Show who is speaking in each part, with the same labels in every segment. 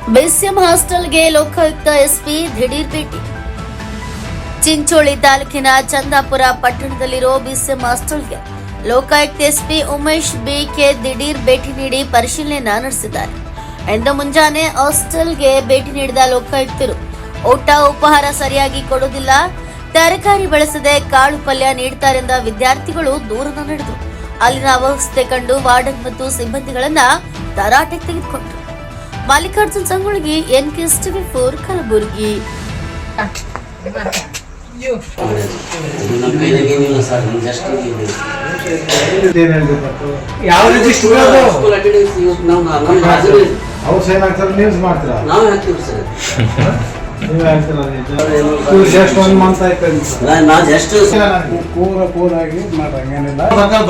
Speaker 1: BCM ಹಾಸ್ಟೆಲ್ಗೆ Lokayukta SP ದಿಢೀರ್ ಭೇಟಿ. ಚಿಂಚೋಳಿ ತಾಲೂಕಿನ ಚಂದಾಪುರ ಪಟ್ಟಣದಲ್ಲಿರೋ ಬಿಸಿಎಂ ಹಾಸ್ಟೆಲ್ಗೆ ಲೋಕಾಯುಕ್ತ ಎಸ್ಪಿ ಉಮೇಶ್ ಬಿಕೆ ದಿಢೀರ್ ಭೇಟಿ ನೀಡಿ ಪರಿಶೀಲನೆ ನಡೆಸಿದ್ದಾರೆ. ಇಂದು ಮುಂಜಾನೆ ಹಾಸ್ಟೆಲ್ಗೆ ಭೇಟಿ ನೀಡಿದ ಲೋಕಾಯುಕ್ತರು ಊಟ ಉಪಹಾರ ಸರಿಯಾಗಿ ಕೊಡುವುದಿಲ್ಲ, ತರಕಾರಿ ಬಳಸದೆ ಕಾಳು ಪಲ್ಯ ನೀಡುತ್ತಾರೆಂದ ವಿದ್ಯಾರ್ಥಿಗಳು ದೂರನ ನಡೆದರು. ಅಲ್ಲಿನ ಅವಸ್ಥೆ ಕಂಡು ವಾರ್ಡನ್ ಮತ್ತು ಸಿಬ್ಬಂದಿಗಳನ್ನ ತರಾಟೆಗೆ ತೆಗೆದುಕೊಂಡರು. ಮಲ್ಲಿಕಾರ್ಜುನ್ ಸಂಗೊಳ್ಗಿ, NKSTV4 ಕಲಬುರಗಿ.
Speaker 2: ಯಾವ ರೀತಿ ಅವ್ರು ಸೈನ್ ಹಾಕ್ತಾರೆ, ನ್ಯೂಸ್ ಮಾಡ್ತೀರಾ?
Speaker 3: ನಾವು ಹಾಕ್ತೀವಿ ಸರ್.
Speaker 2: ನೀವು ಹಾಕ್ತೀರಾ? ಜಸ್ಟ್ 1 ಮಂತ್ ಆಯ್ತು.
Speaker 3: ನಾ ಜಸ್ಟ್
Speaker 2: ಕೂರಾಗಿ ಮಾಡಂಗೇನಿಲ್ಲ.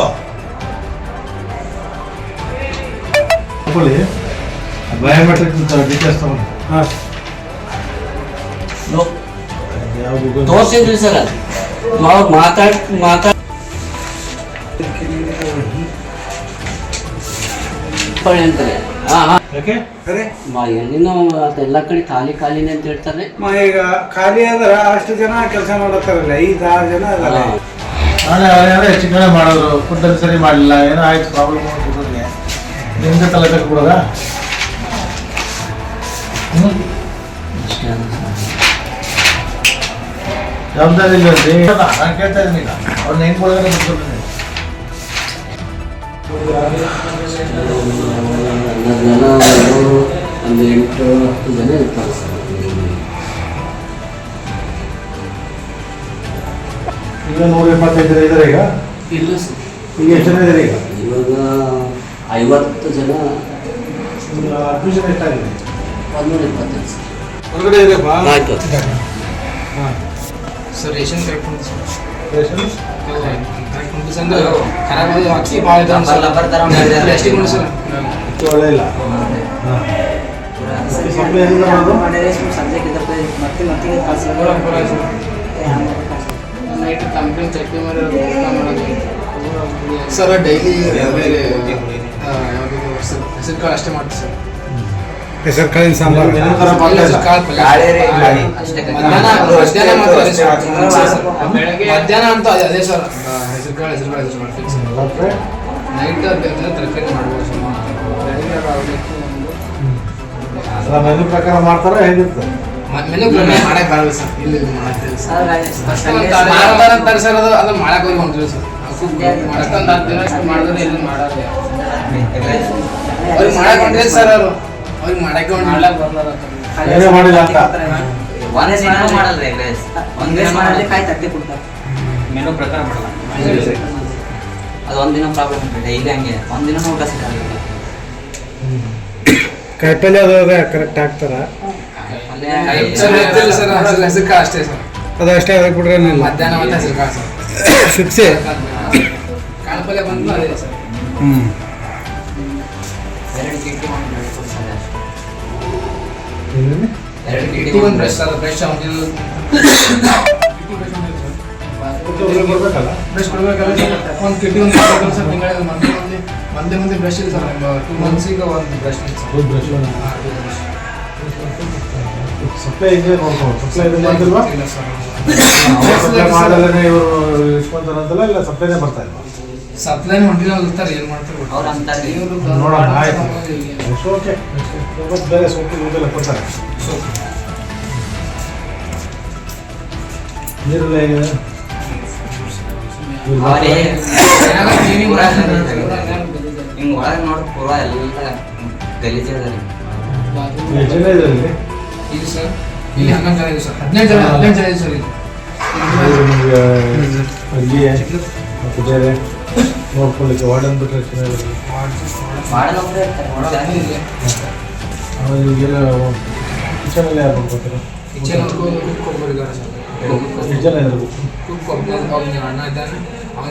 Speaker 2: ಬಯೋಮೆಟ್ರಿಕ್ ಡೀಟೇಲ್ಸ್ ತಗೊಂಡು
Speaker 3: ತೋರಿಸಿದ್ರಿ ಸರ್. ನಾವು ಮಾತಾಡ್ ಅಂತಾರೆ. ಎಲ್ಲಿನ ಎಲ್ಲ ಕಡೆ ಖಾಲಿನೇ ಅಂತ ಹೇಳ್ತಾರೆ.
Speaker 2: ಈಗ ಖಾಲಿ ಆದ್ರೆ ಅಷ್ಟು ಜನ ಕೆಲಸ ಮಾಡತ್ತಾರಲ್ಲ, 5-6 ಜನ ಅದಲ್ಲ. ನಾಳೆ ಹೆಚ್ಚು ಕಡೆ ಮಾಡೋರು, ಫುಡ್ಡಲ್ಲಿ ಸರಿ ಮಾಡಲಿಲ್ಲ, ಏನೋ ಆಯ್ತು ಪ್ರಾಬ್ಲಮ್ ಹುಡುಗರಿಗೆ, ನಿಮ್ಗೆ ತಲೆ ಬಿಡೋದಾ? ಜವಾಬ್ದಾರಿ ಇಲ್ಲ ನಾನು ಕೇಳ್ತಾ ಇದ್ದೀನಿ. ಈಗ ಅವ್ರನ್ನ ಹೆಂಗ್ ಕೊಡೋದ್ರೆ
Speaker 3: ಒಂದು 8-10 ಜನ ಇರ್ತಾರೆ ಸರ್.
Speaker 2: ಈಗ 125 ಜನ ಇದ್ದಾರೆ. ಈಗ
Speaker 3: ಇಲ್ಲ ಸರ್,
Speaker 2: ಈಗ ಎಷ್ಟು ಜನ ಇದ್ದಾರೆ? ಈಗ
Speaker 3: ಇವಾಗ 50 ಜನ.
Speaker 2: ಅಡ್ಮಿಷನ್ ಎಷ್ಟಾಗಿದೆ?
Speaker 3: 125 ಸರ್.
Speaker 2: ಹೊರಗಡೆ ಇದೆಯಪ್ಪ.
Speaker 3: ಆಯ್ತು
Speaker 4: sir. Ration correct sir.
Speaker 2: Ration
Speaker 4: ಅಂದ್ರೆ ಖರಾಬ್ ಅಕ್ಕಿ ಭಾಳ ಇದೆ ಸರ್. ಪ್ಲಾಸ್ಟಿಕ್ ನೋಡಿ ಸರ್,
Speaker 2: ಒಳ್ಳೆ ಇಲ್ಲ. ಸಪ್ಲೈ ಹೆಂಗೆ ಮಾಡೋದು?
Speaker 4: ನೈಟ್ ಕಂಪ್ಲೇಂಟ್ ಚಟ್ನಿ ಮಾಡೋದು ಸರ್. ಡೈಲಿ ಹೆಸರು ಕಾಳು ಅಷ್ಟೇ ಮಾಡ್ತೀವಿ ಸರ್.
Speaker 2: ಹೆಸರು ಕಾಳಿನ ಸಾಂಬಾರು
Speaker 4: ಮಧ್ಯಾಹ್ನ ಅಂತ ಅದೇ ಸರ್. ಹೆಸರು ಕಾಳು ಮಾಡ್ತೀವಿ ಸರ್. ನೈಟ್ ತರಕಾರಿ ಮಾಡ್ಬೋದು ಸರ್.
Speaker 2: ಮೆನು ಪ್ರಕಾರ ಮಾಡ್ತಾರ ಹೇಗಿರ್ತದೆ?
Speaker 4: ಮೆನು ಮಾಡಕ್ ಬರಲ್ಲ ಸರ್. ಇಲ್ಲಿ ಮಾಡ್ತೀವಿ ಸರ್. ಅಂತಾರೆ ಸರ್, ಅದು ಮಾಡಕ್ ಹೋಗಿ ಹೊಂಟಿವಿ ಸರ್. ಮಾಡಕ್ಕಂತ 10 ದಿನ ಮಾಡಿದ್ರೆ ಇಲ್ಲಿ ಮಾಡೋದು ಅವ್ರಿಗೆ ಮಾಡಕ್ ಹೊಂಟಿದೆ ಸರ್. ಅವ್ರಿಗೆ ಮಾಡಕ್ಕೆ ಮಾಡಕ್ ಬರಲ್ಲ
Speaker 2: ಮಾಡಿಲ್ಲ ಅಂತ
Speaker 3: ಮೆನು ಪ್ರಕಾರ ಮಾಡಲ್ಲ. ಅದು ಒಂದಿನ ಪ್ರಾಬ್ಲಮ್ ಡೈಲಿ ಹಂಗೆ, ಒಂದಿನ ಊಟ ಸಿಗಲ್ಲ.
Speaker 2: ಕಾಯಿಪಲ್ಲೆ ಅದು ಕರೆಕ್ಟ್ ಹಾಕ್ತಾರ?
Speaker 4: ಹೆಸರು ಕಾಳು ಅಷ್ಟೇ ಸರ್.
Speaker 2: ಅದು ಅಷ್ಟೇ ಅದಕ್ಕೆ ಬಿಡ್ರೆ
Speaker 4: ಮಧ್ಯಾಹ್ನ ಮತ್ತೆ ಹೆಸರು ಕಾಳು ಸರ್.
Speaker 2: ಶಿಕ್ಷೆ
Speaker 4: ಕಾಳು ಪಲ್ಯ ಬಂದು ಅದೇ ಸರ್.
Speaker 3: 2 ಕಿಟ್ಟಿ ಒಂದು
Speaker 4: ಬ್ರಷ್ ಸರ್. ಬ್ರಷ್ ಬ್ರಷ್ ಕೊಡ್ಬೇಕಲ್ಲ ಸರ್. ಒಂದು ಕಿಟ್ಟಿ ಒಂದು ಸರ್. ತಿಂಗಳಿಗೆ ಮಂದಿ ಬ್ರಷ್ ಇದೆ ಸರ್. 2 ಮಂತ್ಸಿಗೆ ಒಂದು ಬ್ರಷ್ ಇದೆ ಸರ್.
Speaker 2: ಸಪ್ಲೈ ಇದೆ ನೋಡ್ಕೊಂಡು. ಸಪ್ಲೈ ಇದೆ ಮಾಡ್ತಿಲ್ವಾ?
Speaker 4: ಇಲ್ಲ ಸರ್.
Speaker 2: ಮಾಡಲ್ಲೇ ಇವರು ಇಸ್ಕೊಂತಾರಂತಲ್ಲ, ಇಲ್ಲ ಸಪ್ಲೈನೇ ಬರ್ತಾ ಇಲ್ಲ?
Speaker 4: ಸಪ್ಲೈನ್ ಹೊಂಟಿಲ್ಲ ಇರ್ತಾರೆ, ಏನು ಮಾಡ್ತಾರೆ
Speaker 3: ಅವ್ರು ಅಂತಾರೆ.
Speaker 2: ನೋಡೋಣ, ಆಯ್ತು. ಓಕೆ, ಬೇರೆ ಸೋಪು ಇದೆಲ್ಲ ಕೊಡ್ತಾರೆ. ನೀರೆಲ್ಲ ಹೇಗಿದೆ?
Speaker 3: ಹಿಂಗೆ ಒಳಗೆ ನೋಡಿ ಪೂರ ಎಲ್ಲ ಗಲೀಜ್ ಅದ ರೀ.
Speaker 2: ಎಷ್ಟು ಜನ ಇದ್ದಾರೆ ಇಲ್ಲಿ?
Speaker 4: ಇಲ್ಲಿ ಸರ್, ಇಲ್ಲಿ 11 ಜನ ಇದೆ ಸರ್. 15 ಜನ ಇದೆ ಸರ್. ಇಲ್ಲಿ
Speaker 2: ಅಲ್ಲಿಯೇ ಮತ್ತು ಬೇರೆ ನೋಡ್ಕೊಳ್ಳಿಕ್ಕೆ ವಾರ್ಡನ್ ಬಿಟ್ಟರೆ ಚೆನ್ನಾಗಿರುತ್ತೆ. ಈಗೆಲ್ಲ ಕಿಚನಲ್ಲಿ ಯಾರು ನೋಡ್ಕೊತಾರೆ?
Speaker 4: ಕಿಚನ್ ಕುಕ್ ಒಬ್ಬರಿದ್ದಾರೆ ಸರ್.
Speaker 2: ಎಷ್ಟು ಜನ ಇರಬೇಕು?
Speaker 4: ಕುಕ್ ಒಬ್ಬ ಅಣ್ಣ ಇದ್ದಾನೆ.